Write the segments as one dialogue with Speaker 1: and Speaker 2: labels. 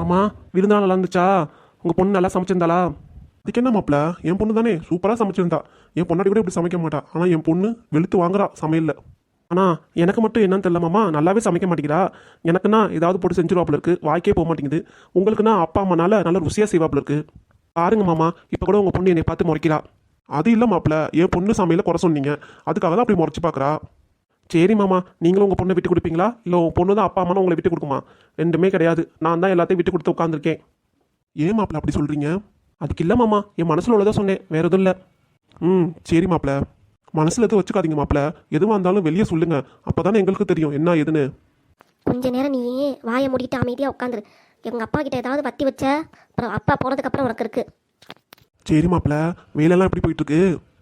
Speaker 1: மாமா, விருந்தெல்லாம் நல்லா இருந்துச்சா? உங்கள் பொண்ணு நல்லா சமைச்சிருந்தாளா? அதுக்கு என்ன மாப்பிள்ள, என் பொண்ணு தானே சூப்பராக சமைச்சிருந்தா. என் பொண்ணாடி கூட இப்படி சமைக்க மாட்டா. ஆனால் என் பொண்ணு வெளுத்து வாங்குறா சமையலில். ஆனால் எனக்கு மட்டும் என்னன்னு தெரியல மாமா, நல்லாவே சமைக்க மாட்டேங்கிறா. எனக்குன்னா ஏதாவது போட்டு செஞ்சிருவாப்புல இருக்குது, வாய்க்கே போக மாட்டேங்குது. உங்களுக்குன்னா அப்பா அம்மானால நல்ல ருசியாக செய்வாப்புல இருக்குது. பாருங்க மாமா, இப்போ கூட உங்கள் பொண்ணு என்னை பார்த்து முறைக்கிறா. அது இல்லை மாப்பிள்ள, என் பொண்ணு சமையல குறை சொன்னீங்க, அதுக்காக தான் அப்படி முறைச்சி பார்க்குறா. சரி மாமா, நீங்களும் உங்கள் பொண்ணை விட்டு கொடுப்பீங்களா, இல்லை உங்கள் பொண்ணு தான் அப்பா அம்மானா உங்களை விட்டு கொடுக்குமா? ரெண்டுமே கிடையாது, நான் தான் எல்லாத்தையும் விட்டு கொடுத்து உட்காந்துருக்கேன். ஏன் மாப்பிள்ள அப்படி சொல்கிறீங்க? அதுக்கு இல்லை மாமா, என் மனசில் உள்ளதான் சொன்னேன், வேறு எதுவும் இல்லை. சரி மாப்பிள்ள, மனசில் எதுவும் வச்சுக்காதீங்க மாப்பிள்ள. எதுவாக இருந்தாலும் வெளியே சொல்லுங்க, அப்போ தானே எங்களுக்கு தெரியும் என்ன ஏதுன்னு.
Speaker 2: கொஞ்ச நேரம் நீ வாயை மூடிட்டு அமைதியாக உட்காந்துரு. எங்கள் அப்பா கிட்ட ஏதாவது வத்தி வச்ச அப்புறம் அப்பா போனதுக்கப்புறம் உனக்கு இருக்கு.
Speaker 1: சரி மாப்பிள்ள, வேலையெல்லாம் எப்படி போயிட்டுருக்கு?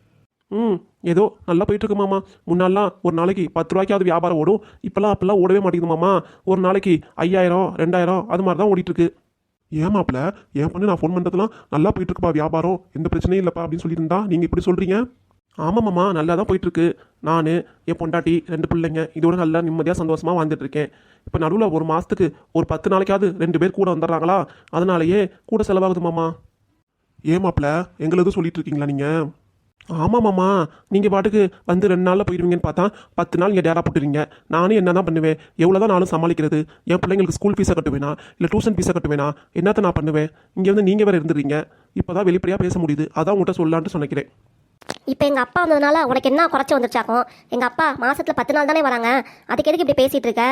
Speaker 1: ஏதோ நல்லா போயிட்டுருக்கு மாமா. முன்னாலாம் ஒரு நாளைக்கு 10 ரூபாய்க்காவது வியாபாரம் ஓடும், இப்போல்லாம் அப்போல்லாம் ஓடவே மாட்டேங்குது மாமா. ஒரு நாளைக்கு 5000 2000 அது மாதிரி தான் ஓடிட்டுருக்கு. ஏன் மாப்பிள்ள, என் பொண்ணு நான் ஃபோன் பண்ணுறதுலாம் நல்லா போயிட்டுருக்குப்பா, வியாபாரம் எந்த பிரச்சனையும் இல்லைப்பா அப்படின்னு சொல்லியிருந்தா நீங்கள் இப்படி சொல்கிறீங்க? ஆமாம் மாமா, நல்லா தான் போயிட்டுருக்கு. நான் என் பொண்டாட்டி 2 பிள்ளைங்க இதோட நல்லா நிம்மதியாக சந்தோஷமாக வாழ்ந்துட்டு இருக்கேன். இப்போ நடுவில் ஒரு மாதத்துக்கு ஒரு 10 நாளைக்காவது 2 பேர் கூட வந்துடுறாங்களா, அதனாலேயே கூட செலவாகுது மாமா. ஏன் மாப்பிள்ள, எங்களை எதுவும் சொல்லிட்டு இருக்கீங்களா நீங்கள்? ஆமாம் மாமா, நீங்கள் பாட்டுக்கு வந்து 2 நாளில் போயிடுவீங்கன்னு பார்த்தா 10 நாள் இங்கே டேரா போட்டுருவீங்க. நானும் என்ன தான் பண்ணுவேன், எவ்வளோ தான் நானும் சமாளிக்கிறது? என் பிள்ளைங்களுக்கு ஸ்கூல் ஃபீஸை கட்டுவேனா, இல்லை டியூஷன் ஃபீஸை கட்டுவேனா, என்னத்தை நான் பண்ணுவேன்? இங்கே வந்து நீங்கள் வேறு இருந்துடுறீங்க. இப்போ தான் வெளிப்படையாக பேச முடியுது, அதான் உங்கள்கிட்ட சொல்லலான்ட்டு சொன்னிக்கிறேன்.
Speaker 2: இப்போ எங்கள் அப்பா வந்ததுனால உனக்கு என்ன குறைச்சி வந்துருச்சாக்கும்? எங்கள் அப்பா மாதத்தில் 10 நாள் தானே வராங்க, அதுக்கு எதுக்கு இப்படி பேசிகிட்டு இருக்க?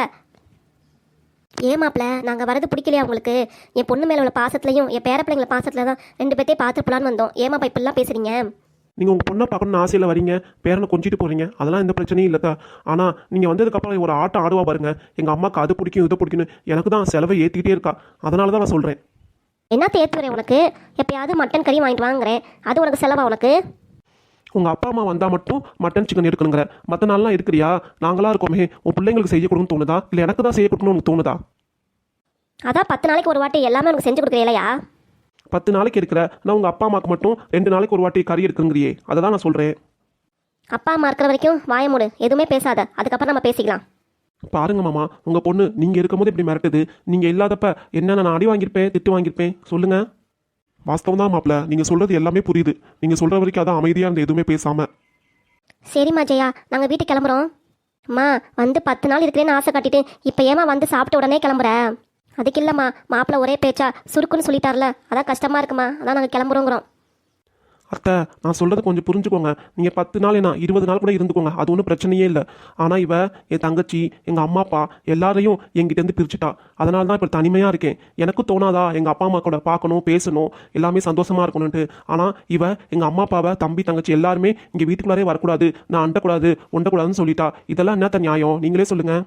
Speaker 2: ஏமாப்பிள்ள, நாங்கள் வரது பிடிக்கலையா உங்களுக்கு? என் பொண்ணு மேலே உள்ள பாசத்துலையும் என் பேர பிள்ளைங்கள பாசத்தில் தான் 2 பேர்த்தையும் பார்த்து போலான்னு வந்தோம். ஏமாப்பா இப்படிலாம் பேசுகிறீங்க?
Speaker 1: நீங்கள் உங்கள் பொண்ணை பார்க்கணுன்னு ஆசையில் வரீங்க, பேரனை கொஞ்சிட்டு போகிறீங்க, அதெல்லாம் எந்த பிரச்சனையும் இல்லைதா. ஆனால் நீங்கள் வந்ததுக்கப்புறம் ஒரு ஆட்டம் ஆடுவா பாருங்க, எங்கள் அம்மாவுக்கு அது பிடிக்கும் இதை பிடிக்குன்னு எனக்கு தான் செலவை ஏற்றிக்கிட்டே இருக்கா. அதனால தான் நான் சொல்கிறேன்.
Speaker 2: என்ன தேத்துறேன் உனக்கு? எப்பயாவது மட்டன் கறி வாங்கிட்டு வாங்குறேன், அது உனக்கு செலவா உனக்கு?
Speaker 1: உங்கள் அப்பா அம்மா வந்தால் மட்டும் மட்டன் சிக்கன் எடுக்கணுங்கிற, மற்ற நாள்லாம் இருக்கிறியா? நாங்களாக இருக்கோமே, உன் பிள்ளைங்களுக்கு செய்ய கொடுக்கணும்னு தோணுதா, இல்லை எனக்கு தான் செய்ய கொடுக்கணும்னு உனக்கு தோணுதா?
Speaker 2: அதான் 10 நாளைக்கு ஒரு வாட்டி எல்லாமே உனக்கு செஞ்சு கொடுக்குறேன் இல்லையா?
Speaker 1: 10 நாளைக்கு இருக்கிற நான் உங்கள் அப்பா அம்மாவுக்கு மட்டும் 2 நாளைக்கு ஒரு வாட்டி கறி எடுக்குங்கிறியே, அதை தான் நான் சொல்கிறேன்.
Speaker 2: அப்பா அம்மா இருக்கிற வரைக்கும் வாய மூடு, எதுவுமே பேசாத, அதுக்கப்புறம் நம்ம பேசிக்கலாம்.
Speaker 1: பாருங்க மாமா, உங்கள் பொண்ணு நீங்கள் இருக்கும்போது இப்படி மிரட்டுது. நீங்கள் இல்லாதப்ப என்னென்ன நான் அடி வாங்கியிருப்பேன், திட்டு வாங்கியிருப்பேன் சொல்லுங்கள். வாஸ்தவம் தான் மாப்பிள்ள, நீங்கள் சொல்கிறது எல்லாமே புரியுது. நீங்கள் சொல்கிற வரைக்கும் அதான் அமைதியாக இருந்த, எதுவுமே பேசாமல்.
Speaker 2: சரிம்மா ஜெயா, நாங்கள் வீட்டுக்கு கிளம்புறோம். அம்மா வந்து 10 நாள் இருக்கிறேன்னு ஆசை காட்டிட்டு இப்போ ஏமா வந்து சாப்பிட்ட உடனே கிளம்புற? அதுக்கு இல்லைம்மா, மாப்பிள்ளை ஒரே பேச்சா சுருக்குன்னு சொல்லிட்டார்ல, அதான் கஷ்டமாக இருக்குமா, அதான் நாங்கள் கிளம்புறோங்கிறோம்.
Speaker 1: அத்தை, நான் சொல்கிறத கொஞ்சம் புரிஞ்சுக்கோங்க. நீங்கள் 10 நாள் என்ன 20 நாள் கூட இருந்துக்கோங்க, அது ஒன்றும் பிரச்சனையே இல்லை. ஆனால் இவ என் தங்கச்சி, எங்கள் அம்மா அப்பா எல்லாரையும் என்கிட்டேருந்து பிரிச்சுட்டா. அதனால தான் இப்போ தனிமையாக இருக்கேன். எனக்கும் தோணாதா எங்கள் அப்பா அம்மா கூட பார்க்கணும், பேசணும், எல்லாமே சந்தோஷமாக இருக்கணும்ன்ட்டு? ஆனால் இவ எங்கள் அம்மா அப்பாவை, தம்பி தங்கச்சி எல்லாருமே இங்கே வீட்டுக்குள்ளாரே வரக்கூடாது, நான் அண்டக்கூடாது ஒண்டக்கூடாதுன்னு சொல்லிட்டா. இதெல்லாம் என்னத்த நியாயம், நீங்களே சொல்லுங்கள்.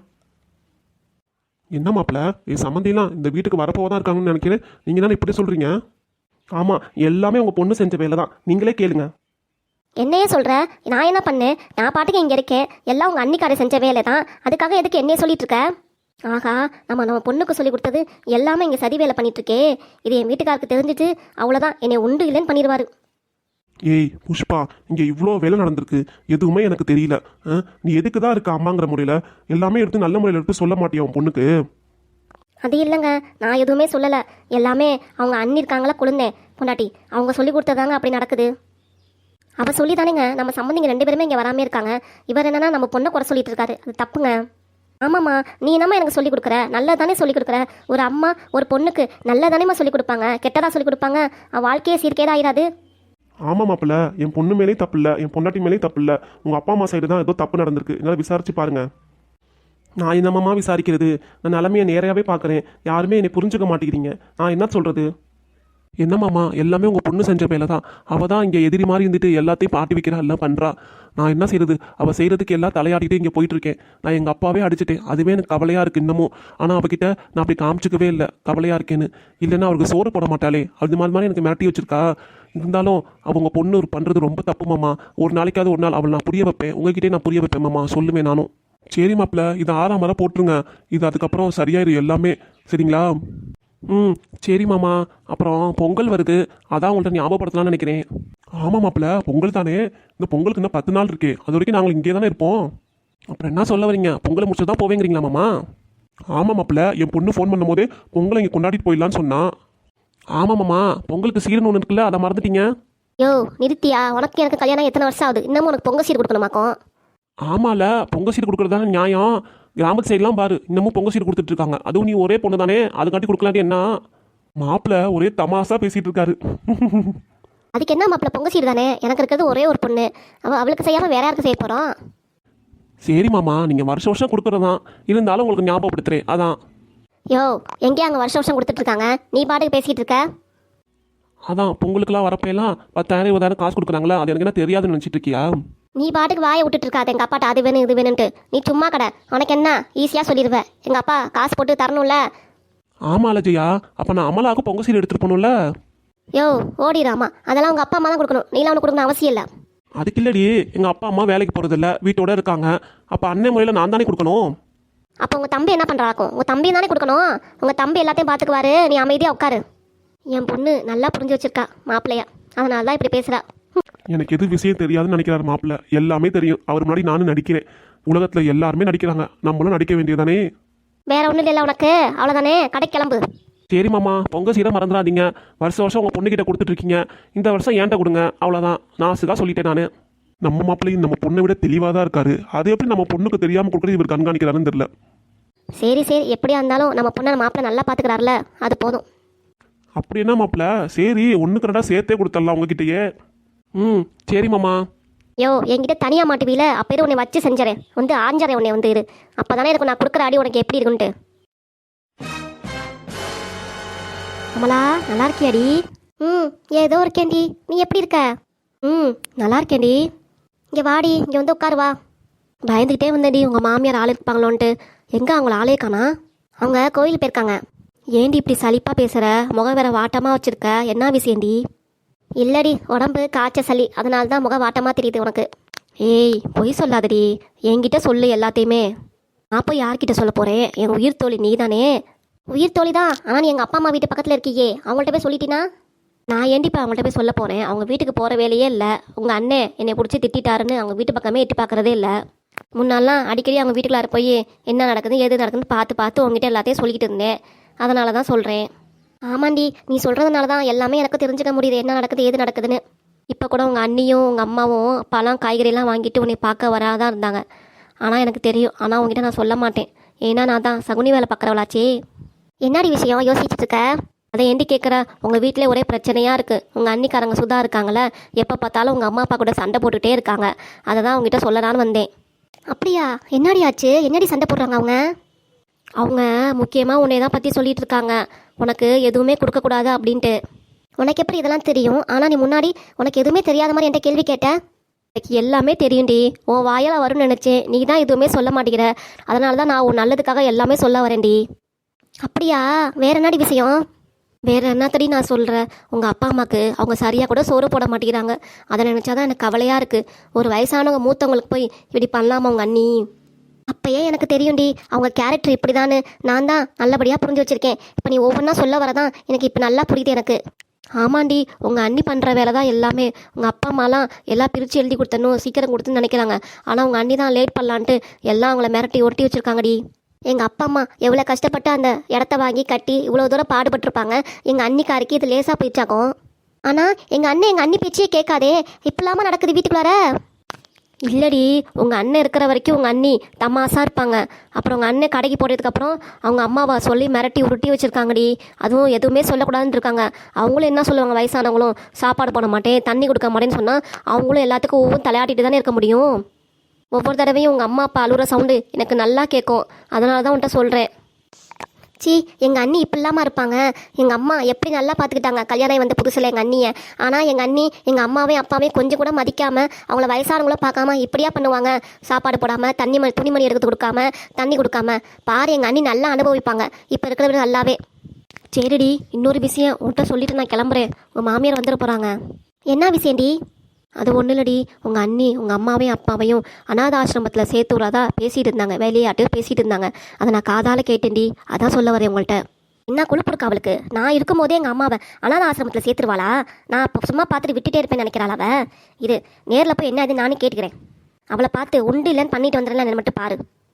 Speaker 1: என்ன மாப்பிள்ள, என் சம்மந்திலாம் இந்த வீட்டுக்கு வரப்போதான் இருக்காங்கன்னு நினைக்கிறேன், நீங்கள் தானே இப்படி சொல்கிறீங்க? ஆமாம், எல்லாமே உங்கள் பொண்ணு செஞ்ச வேலை தான், நீங்களே கேளுங்க.
Speaker 2: என்னையே சொல்கிற? நான் என்ன பண்ணேன்? நான் பாட்டுக்கு இங்கே இருக்கேன், எல்லாம் உங்கள் அன்னிக்காரை செஞ்ச வேலை தான், அதுக்காக எதுக்கு என்னையே சொல்லிட்டு இருக்க? ஆகா, நம்ம பொண்ணுக்கு சொல்லி கொடுத்தது எல்லாமே இங்கே சதி வேலை பண்ணிட்டு இருக்கே. இது என் வீட்டுக்காருக்கு தெரிஞ்சிட்டு அவ்வளோதான், என்னை உண்டு இல்லைன்னு பண்ணிடுவாரு.
Speaker 1: ஏய் புஷ்பா, இங்கே இவ்வளோ வேலை நடந்திருக்கு, எதுவுமே எனக்கு தெரியல. நீ எதுக்கு தான் இருக்க அம்மாங்கிற முறையில் எல்லாமே எடுத்து நல்ல முறையில் எடுத்து சொல்ல மாட்டியா உன் பொண்ணுக்கு?
Speaker 2: அது இல்லைங்க, நான் எதுவுமே சொல்லலை, எல்லாமே அவங்க அண்ணி இருக்காங்களா குழந்தேன் பொண்டாட்டி, அவங்க சொல்லி கொடுத்ததாங்க அப்படி நடக்குது. அவள் சொல்லி தானேங்க நம்ம சம்பந்திங்க 2 பேருமே இங்கே வராமல் இருக்காங்க. இவர் என்னன்னா நம்ம பொண்ணை குறை சொல்லிட்டு இருக்காரு, அது தப்புங்க. ஆமாம்மா, நீ என்னம்மா எனக்கு சொல்லிக் கொடுக்குற? நல்ல தானே சொல்லிக் கொடுக்குற. ஒரு அம்மா ஒரு பொண்ணுக்கு நல்ல தானேம்மா சொல்லிக் கொடுப்பாங்க, கெட்டதாக சொல்லிக் கொடுப்பாங்க? அவள் வாழ்க்கையே சீர்கேடாக ஆயிடாது.
Speaker 1: ஆமாம் மாப்பிள்ள, என் பொண்ணு மேலேயும் தப்பு இல்லை, என் பொண்டாட்டி மேலேயும் தப்பு இல்லை, உங்கள் அப்பா அம்மா சைடு தான் ஏதோ தப்பு நடந்திருக்கு. என்னால் விசாரிச்சு பாருங்க. நான் என்னம்மா விசாரிக்கிறது, நான் நிலமையை நேரையாகவே பார்க்குறேன், யாருமே என்னை புரிஞ்சுக்க மாட்டேங்கிறீங்க. நான் என்ன சொல்கிறது? என்னம்மாம்மா, எல்லாமே உங்கள் பொண்ணு செஞ்ச வேலை தான். அவள் தான் இங்கே எதிரி மாதிரி இருந்துட்டு எல்லாத்தையும் பாட்டி வைக்கிறா, எல்லாம் பண்ணுறா. நான் என்ன செய்கிறது? அவள் செய்கிறதுக்கு எல்லாம் தலையாடிட்டு இங்கே போயிட்டுருக்கேன். நான் எங்கள் அப்பாவே அடிச்சிட்டேன், அதுவே எனக்கு கவலையாக இருக்குது இன்னமும். ஆனால் அவகிட்ட நான் அப்படி காமிச்சிக்கவே இல்லை கவலையாக இருக்கேன்னு. இல்லைன்னா அவருக்கு சோறு போட மாட்டாளே, அது மாதிரி எனக்கு மிரட்டி வச்சிருக்கா. இருந்தாலும் அவங்க பொண்ணு பண்ணுறது ரொம்ப தப்புமாம்மா. ஒரு நாளைக்காவது ஒரு நாள் அவள் நான் புரிய வைப்பேன், உங்ககிட்டே நான் புரிய வைப்பேன் மாமா, சொல்லுவேன் நானும். சரி மாப்பிள்ள, இது 6ஆம் முறை போட்டுருங்க, இது அதுக்கப்புறம் சரியாயிரும் எல்லாமே, சரிங்களா? சரி மாமா. அப்புறம் பொங்கல் வருது, அதான் உங்கள்கிட்ட ஞாபகப்படுத்தலாம்னு நினைக்கிறேன். ஆமாம் மாப்பிள்ள, பொங்கல் தானே, இந்த பொங்கலுக்கு இன்னும் 10 நாள் இருக்கு, அது வரைக்கும் நாங்கள் இங்கே தானே இருப்போம். அப்புறம் என்ன சொல்ல வரீங்க? பொங்கலை முடிச்சு தான் போவேங்கிறீங்களா மாமா? ஆமாம் மாப்பிள்ள, என் பொண்ணு ஃபோன் பண்ணும்போதே பொங்கலை இங்கே கொண்டாடிட்டு போயிடலான்னு சொன்னான். ஆமாம்மாம்மா, பொங்கலுக்கு சீரன் ஒன்று இருக்குல்ல, அதை மறந்துட்டீங்க.
Speaker 2: யோ நிறுத்தியா, உனக்கு எனக்கு கல்யாணம் எத்தனை வருஷம் ஆகுது, இன்னமும் உனக்கு பொங்கல் சீர் கொடுக்கணுமாக்கும்?
Speaker 1: ஆமால, பொங்கல் சீர் கொடுக்குறது தானே நியாயம். கிராமத்து சைட்லாம் பாரு, இன்னமும் பொங்கல் சீர் கொடுத்துட்டு இருக்காங்க. அதுவும் நீ ஒரே பொண்ணு தானே, அதுக்காட்டி கொடுக்கலாட்டி என்ன? மாப்பிள்ள ஒரே தமாசா பேசிட்டு இருக்காரு.
Speaker 2: அதுக்கு என்ன மாப்பிள்ள, பொங்கல் சீர் தானே, எனக்கு இருக்கிறது ஒரே ஒரு பொண்ணு, அவளுக்கு செய்யாமல் வேற யாருக்கு செய்ய போகிறோம்?
Speaker 1: சரி மாமா, நீங்கள் வருஷம் வருஷம் கொடுக்குறதான், இருந்தாலும் உங்களுக்கு ஞாபகப்படுத்துறேன் அதான்.
Speaker 2: யோ எங்கேயா அங்கே வருஷம் வருஷம் கொடுத்துட்டு இருக்காங்க, நீ பாட்டுக்கு பேசிக்கிட்டு இருக்க.
Speaker 1: அதான் பொங்கலுக்குலாம் வரப்பெல்லாம் 10,000 20,000 காசு கொடுக்குறாங்களா, அது எனக்கு என்ன தெரியாதுன்னு நினச்சிட்டு இருக்கியா?
Speaker 2: நீ பாட்டுக்கு வாயை விட்டுட்டு இருக்காது எங்கள் அப்பாட்ட அது வேணும் இது வேணும்ட்டு. நீ சும்மா கடை, உனக்கு என்ன ஈஸியாக சொல்லிடுவேன். எங்கள் அப்பா காசு போட்டு தரணும்ல.
Speaker 1: ஆமாம் அஜயா, அப்போ நான் அமலாவுக்கு பொங்கல் சீர் எடுத்துகிட்டு போகணும்ல.
Speaker 2: யோ ஓடிடாமா, அதெல்லாம் உங்கள் அப்பா அம்மா தான் கொடுக்கணும், நீலாம் அவனுக்கு கொடுக்கணும் அவசியம் இல்லை.
Speaker 1: அதுக்கு இல்லடி, எங்கள் அப்பா அம்மா வேலைக்கு போகிறதில்ல, வீட்டோட இருக்காங்க. அப்போ அண்ணன் முறையில் நான் தானே கொடுக்கணும்.
Speaker 2: அப்போ உங்கள் தம்பி என்ன பண்ணுறாக்கும்? உங்கள் தம்பி தானே கொடுக்கணும். உங்கள் தம்பி எல்லாத்தையும் பார்த்துக்குவாரு, நீ அமைதியாக உட்காரு. என் பொண்ணு நல்லா புரிஞ்சு வச்சிருக்கா மாப்பிள்ளையா, அதனால தான் இப்படி பேசுகிறா.
Speaker 1: எனக்கு எது விஷயம் தெரியாதுன்னு நினைக்கிறாரு மாப்பிள்ள, எல்லாமே தெரியும். அவர் முன்னாடி நானும் நடிக்கிறேன், உலகத்தில் எல்லாருமே நடிக்கிறாங்க, நம்மளும் நடிக்க வேண்டியதானே. வேற
Speaker 2: ஒன்றும் இல்லை உனக்கு, அவ்வளோதானே, கடை கிளம்பு.
Speaker 1: சரி மாமா, பொங்கல் சீரை மறந்துடாதீங்க. வருஷம் வருஷம் உங்கள் பொண்ணுக்கிட்ட கொடுத்துட்ருக்கீங்க, இந்த வருஷம் ஏன்ட்ட கொடுங்க, அவ்வளோதான். நான் சுகா சொல்லிட்டேன் நான். நம்ம மாப்பிள்ளையும் நம்ம பொண்ணை விட தெளிவாக தான் இருக்காரு. அது எப்படி நம்ம பொண்ணுக்கு தெரியாமல் கொடுக்குறது இவர் கண்காணிக்கிறாருன்னு தெரியல.
Speaker 2: சரி சரி, எப்படியா இருந்தாலும் நம்ம பொண்ணை மாப்பிள்ளை நல்லா பார்த்துக்கிறாருல, அது போதும்.
Speaker 1: அப்படி என்ன மாப்பிள்ள, சரி ஒன்றுக்கு ரெண்டா சேர்த்தே கொடுத்துடலாம் உங்ககிட்டயே. சரி மாமா.
Speaker 2: யோ என்கிட்ட தனியாக மாட்டுவீல, அப்போ உன்னை வச்சு செஞ்சறேன், வந்து ஆஞ்சறேன் உன்னை வந்து இரு. அப்போ தானே இருக்கும் நான் கொடுக்குற அடி உனக்கு எப்படி இருக்குன்ட்டு. அமலா நல்லா இருக்கியாடி? ஏதோ இருக்கேன்டி, நீ எப்படி இருக்க? நல்லா இருக்கேன்டி. இங்கே வாடி, இங்கே வந்து உட்காரு வா. பயந்துக்கிட்டே வந்தேன்டி, உங்கள் மாமியார் ஆள் இருப்பாங்களோன்ட்டு. எங்கே அவங்கள ஆளே காணா? அவங்க கோயில் போயிருக்காங்க. ஏண்டி இப்படி சலிப்பாக பேசுகிற, முகம் வேற வாட்டமாக வச்சுருக்க, என்ன விஷயம்டி? இல்லடி, உடம்பு காய்ச்ச சளி, அதனால தான் முகம் வாட்டமாக தெரியுது உனக்கு. ஏய் பொய் சொல்லாதடி, என்கிட்ட சொல்லு எல்லாத்தையுமே. நான் போய் யார்கிட்ட சொல்ல போகிறேன்? என் உயிர் தோழி நீ தானே. உயிர் தோழி தான், ஆனால் நீ எங்கள் அப்பா அம்மா வீட்டு பக்கத்தில் இருக்கியே, அவங்கள்ட்ட போய் சொல்லிட்டினா? நான் ஏண்டிப்பா அவங்கள்ட்ட போய் சொல்ல போகிறேன்? அவங்க வீட்டுக்கு போகிற வேலையே இல்லை. உங்கள் அண்ணன் என்னை பிடிச்சி திட்டாருன்னு அவங்க வீட்டு பக்கமே எட்டி பார்க்குறதே இல்லை. முன்னாலாம் அடிக்கடி அவங்க வீட்டுக்குள்ளார போய் என்ன நடக்குது எது நடக்குதுன்னு பார்த்து பார்த்து உங்ககிட்ட எல்லாத்தையும் சொல்லிக்கிட்டு இருந்தேன், அதனால தான் சொல்கிறேன். ஆமாண்டி, நீ சொல்கிறதுனால தான் எல்லாமே எனக்கு தெரிஞ்சுக்க முடியுது, என்ன நடக்குது ஏது நடக்குதுன்னு. இப்போ கூட உங்கள் அண்ணியும் உங்கள் அம்மாவும் பழம் காய்கறியெல்லாம் வாங்கிட்டு உன்னை பார்க்க வராதான் இருந்தாங்க. ஆனால் எனக்கு தெரியும், ஆனால் உங்ககிட்ட நான் சொல்ல மாட்டேன். ஏன்னா நான் தான் சகுனி வேலை பார்க்குறவளாச்சே. என்னடி விஷயம் யோசிச்சுட்டு இருக்க? அதை ஏண்டி கேட்குற? உங்கள் வீட்டிலே ஒரே பிரச்சனையாக இருக்குது. உங்கள் அண்ணிக்காரங்க சுதா இருக்காங்களே, எப்போ பார்த்தாலும் உங்கள் அம்மா அப்பா கூட சண்டை போட்டுகிட்டே இருக்காங்க. அதை தான் உங்ககிட்ட சொல்லலான்னு வந்தேன். அப்படியா? என்னடி ஆச்சு? என்னடி சண்டை போடுறாங்க அவங்க? அவங்க முக்கியமாக உன்னை தான் பற்றி சொல்லிட்டு இருக்காங்க, உனக்கு எதுவுமே கொடுக்கக்கூடாது அப்படின்ட்டு. உனக்கு எப்படி இதெல்லாம் தெரியும்? ஆனால் நீ முன்னாடி உனக்கு எதுவுமே தெரியாத மாதிரி என்கிட்ட கேள்வி கேட்ட. எனக்கு எல்லாமே தெரியும்டி, உன் வாயால் வரும்னு நினச்சேன், நீ தான் எதுவுமே சொல்ல மாட்டேங்கிற. அதனால தான் நான் உன் நல்லதுக்காக எல்லாமே சொல்ல வரேன்டி. அப்படியா? வேற என்னடி விஷயம்? வேற என்னத்தடி நான் சொல்கிறேன், உங்கள் அப்பா அம்மாவுக்கு அவங்க சரியாக கூட சோறு போட மாட்டேங்கிறாங்க. அதை நினச்சாதான் எனக்கு கவலையாக இருக்குது. ஒரு வயசானவங்க மூத்தவங்களுக்கு போய் இப்படி பண்ணலாமா உங்கள் அண்ணி? அப்பயே எனக்கு தெரியும்டி அவங்க கேரக்டர் இப்படி தானு. நான் தான் நல்லபடியாக புரிஞ்சு வச்சுருக்கேன். இப்போ நீ ஒவ்வொன்றா சொல்ல வரதான் எனக்கு இப்போ நல்லா புரியுது எனக்கு. ஆமாண்டி, உங்கள் அண்ணி பண்ணுற வேலை தான் எல்லாமே. உங்கள் அப்பா அம்மாலாம் எல்லாம் பிரித்து எழுதி கொடுத்தணும், சீக்கிரம் கொடுத்துன்னு நினைக்கிறாங்க. ஆனால் உங்கள் அண்ணி தான் லேட் பண்ணலான்ட்டு எல்லாம் அவங்கள மிரட்டி ஒட்டி வச்சுருக்காங்கடி. எங்கள் அப்பா அம்மா எவ்வளோ கஷ்டப்பட்டு அந்த இடத்த வாங்கி கட்டி இவ்வளோ தூரம் பாடுபட்டுருப்பாங்க. எங்கள் அண்ணிக்காருக்கு இது லேசாக போயிடுச்சாக்கும். ஆனால் எங்கள் அண்ணி பேச்சே கேட்காதே, இப்படிலாமா நடக்குது வீட்டுக்குள்ளார? இல்லடி, உங்கள் அண்ணன் இருக்கிற வரைக்கும் உங்கள் அண்ணி தமாசாக இருப்பாங்க. அப்புறம் உங்கள் அண்ணன் கடைக்கு போட்டதுக்கப்புறம் அவங்க அம்மாவை சொல்லி மிரட்டி உருட்டி வச்சுருக்காங்கடி. அதுவும் எதுவுமே சொல்லக்கூடாதுன்னு இருக்காங்க. அவங்களும் என்ன சொல்லுவாங்க, வயசானவங்களும் சாப்பாடு போட மாட்டேன் தண்ணி கொடுக்க மாட்டேன்னு சொன்னால் அவங்களும் எல்லாத்துக்கும் ஒவ்வொரு தலையாட்டிட்டு தானே இருக்க முடியும். ஒவ்வொரு தடவையும் உங்கள் அம்மா அப்பா அழுகிற சவுண்டு எனக்கு நல்லா கேட்கும். அதனால தான் உன்ட்ட சொல்கிறேன். சி, எங்கள் அண்ணி இப்படிலாமா இருப்பாங்க? எங்கள் அம்மா எப்படி நல்லா பார்த்துக்கிட்டாங்க கல்யாணம் வந்த புதுசில் எங்கள் அண்ணியை. ஆனால் எங்கள் அண்ணி எங்கள் அம்மாவையும் அப்பாவையும் கொஞ்சம் கூட மதிக்காமல் அவங்கள வயசானவங்கள பார்க்காம இப்படியா பண்ணுவாங்க? சாப்பாடு போடாமல் துணிமணி எடுத்து கொடுக்காம தண்ணி கொடுக்காம. பாரு, எங்கள் அண்ணி நல்லா அனுபவிப்பாங்க இப்போ இருக்கிறத விட நல்லாவே. சரிடி, இன்னொரு விஷயம் உன்கிட்ட சொல்லிட்டு நான் கிளம்புறேன். உங்கள் மாமியார் வந்துட போகிறாங்க. என்ன விஷயம்டி? அது ஒன்றும் இல்லடி, உங்கள் அண்ணி உங்கள் அம்மாவையும் அப்பாவையும் அநாத ஆசிரமத்தில் சேர்த்து விடாதா பேசிகிட்டு இருந்தாங்க, வேலையாட்டு பேசிகிட்டு இருந்தாங்க. அதை நான் காதால் கேட்டேன்டி, அதான் சொல்ல வரேன் உங்கள்கிட்ட. என்ன கொழுப்பு இருக்கா அவளுக்கு? நான் இருக்கும் போதே எங்கள் அம்மாவை அநாத ஆசிரமத்தில் சேர்த்துருவாளா? நான் இப்போ சும்மா பார்த்துட்டு விட்டுட்டே இருப்பேன்னு நினைக்கிறாள் அவ. இது நேரில் போய் என்ன இது நானும் கேட்டுக்கிறேன். அவளை பார்த்து உண்டு இல்லைன்னு பண்ணிட்டு வந்துடலாம் மட்டும் பாரு.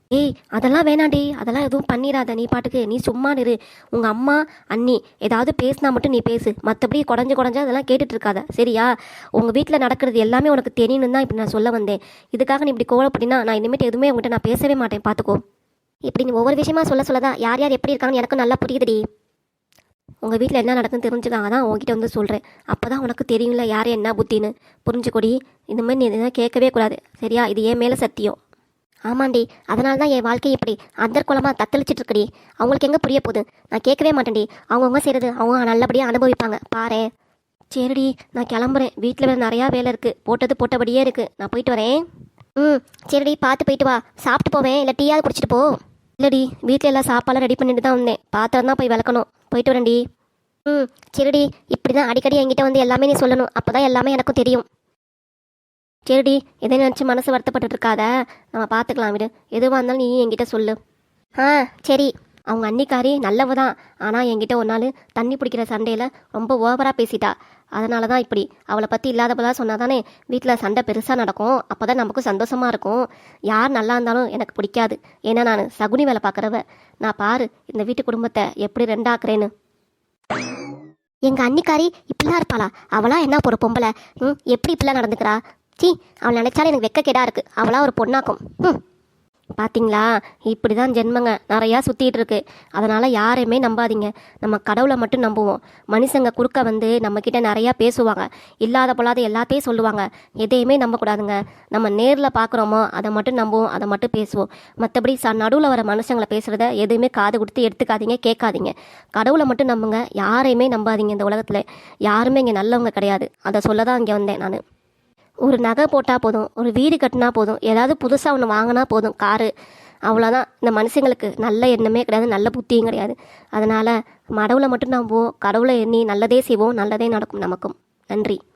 Speaker 2: ஏய் அதெல்லாம் வேணாண்டி, அதெல்லாம் எதுவும் பண்ணிடாத. நீ பாட்டுக்கு நீ சும்மா இரு. உங்கள் அம்மா அண்ணி ஏதாவது பேசினா மட்டும் நீ பேசு, மற்றபடி குடஞ்சு அதெல்லாம் கேட்டுட்டு இருக்காத சரியா? உங்கள் வீட்டில் நடக்கிறது எல்லாமே உனக்கு தெரியணும் தான் இப்படி நான் சொல்ல வந்தேன். இதுக்காக நீ இப்படி கோவப்படினா நான் இனிமேட்டு எதுவுமே உங்கள்கிட்ட நான் பேசவே மாட்டேன், பார்த்துக்கோ. இப்படி நீ ஒவ்வொரு விஷயமா சொல்லதான் யார் யார் எப்படி இருக்காங்கன்னு எனக்கும் நல்லா புரியுதுடி. உங்கள் வீட்டில் என்ன நடக்குன்னு தெரிஞ்சுக்காங்க தான் உங்ககிட்ட வந்து சொல்கிறேன். அப்போ தான் உனக்கு தெரியும்ல யார் என்ன புத்தின்னு. புரிஞ்சுக்கொடி. இந்த மாதிரி நீ எதுவும் கேட்கவே கூடாது சரியா? இது என் மேலே சத்தியம். ஆமாண்டி, அதனால தான் என் வாழ்க்கை இப்படி அந்தர்குலமாக தத்தளிச்சிட்டு இருக்கடி. அவங்களுக்கு எங்கே புரிய போகுது? நான் கேட்கவே மாட்டேன்டி. அவங்கவுங்க செய்கிறது அவங்க நல்லபடியாக அனுபவிப்பாங்க பாரு. சரிடி, நான் கிளம்புறேன். வீட்டில் வேறு நிறையா வேலை இருக்குது. போட்டது போட்டபடியே இருக்குது. நான் போயிட்டு வரேன். சரிடி, பார்த்து போயிட்டு வா. சாப்பிட்டு போவேன், இல்லை டீயாவது குடிச்சிட்டு போ. இல்லடி, வீட்டில் எல்லாம் சாப்பாடெல்லாம் ரெடி பண்ணிட்டு தான் வந்தேன். பாத்திரம் தான் போய் விளக்கணும். போயிட்டு வரேன்டி. சரிடி, இப்படி தான் அடிக்கடி என்கிட்ட வந்து எல்லாமே நீ சொல்லணும். அப்போ தான் எல்லாமே எனக்கும் தெரியும். சரிடி, எதை நினச்சி மனசு வருத்தப்பட்டு இருக்காத. நம்ம பார்த்துக்கலாம் விடு. எதுவாக இருந்தாலும் நீ என்கிட்ட சொல்லு. சரி. அவங்க அன்னிக்காரி நல்லவ தான். ஆனால் என்கிட்ட ஒரு நாள் தண்ணி பிடிக்கிற சண்டையில் ரொம்ப ஓவராக பேசிட்டா. அதனால தான் இப்படி. அவளை பற்றி இல்லாதப்பதான் சொன்னால் தானே வீட்டில் சண்டை பெருசாக நடக்கும். அப்போ தான் நமக்கும் சந்தோஷமாக இருக்கும். யார் நல்லா இருந்தாலும் எனக்கு பிடிக்காது. ஏன்னா நான் சகுனி வேலை பார்க்குறவ. நான் பாரு இந்த வீட்டு குடும்பத்தை எப்படி ரெண்டாக்குறேன்னு. எங்கள் அன்னிக்காரி இப்படிலாம் இருப்பாளா? அவளா என்ன ஒரு பொம்பளை? எப்படி இப்படிலாம் நடந்துக்கிறா? அவள் நினைச்சாலே எனக்கு வெக்கக்கேடா இருக்கு. அவளா ஒரு பொண்ணாக்கும். பார்த்தீங்களா, இப்படி தான் ஜென்மங்க நிறையா சுற்றிட்டு இருக்கு. அதனால் யாரையுமே நம்பாதீங்க. நம்ம கடவுளை மட்டும் நம்புவோம். மனுஷங்க குறுக்க வந்து நம்மக்கிட்ட நிறையா பேசுவாங்க. இல்லாத பொல்லாத எல்லாத்தையும் சொல்லுவாங்க. எதையுமே நம்பக்கூடாதுங்க. நம்ம நேரில் பார்க்குறோமோ அதை மட்டும் நம்புவோம், அதை மட்டும் பேசுவோம். மற்றபடி நடுவில் வர மனுஷங்களை பேசுகிறத எதுவுமே காது கொடுத்து எடுத்துக்காதீங்க, கேட்காதீங்க. கடவுளை மட்டும் நம்புங்க. யாரையுமே நம்பாதீங்க. இந்த உலகத்தில் யாருமே இங்கே நல்லவங்க கிடையாது. அதை சொல்ல தான் இங்கே வந்தேன் நான். ஒரு நகை போட்டால் போதும், ஒரு வீடு கட்டினா போதும், ஏதாவது புதுசாக ஒன்று வாங்கினா போதும், காரு, அவ்வளோதான். இந்த மனுஷங்களுக்கு நல்ல எண்ணமே கிடையாது, நல்ல புத்தியும் கிடையாது. அதனால் கடவுளை மட்டும் நம்புவோம். கடவுளை எண்ணி நல்லதே செய்வோம், நல்லதே நடக்கும் நமக்கும். நன்றி.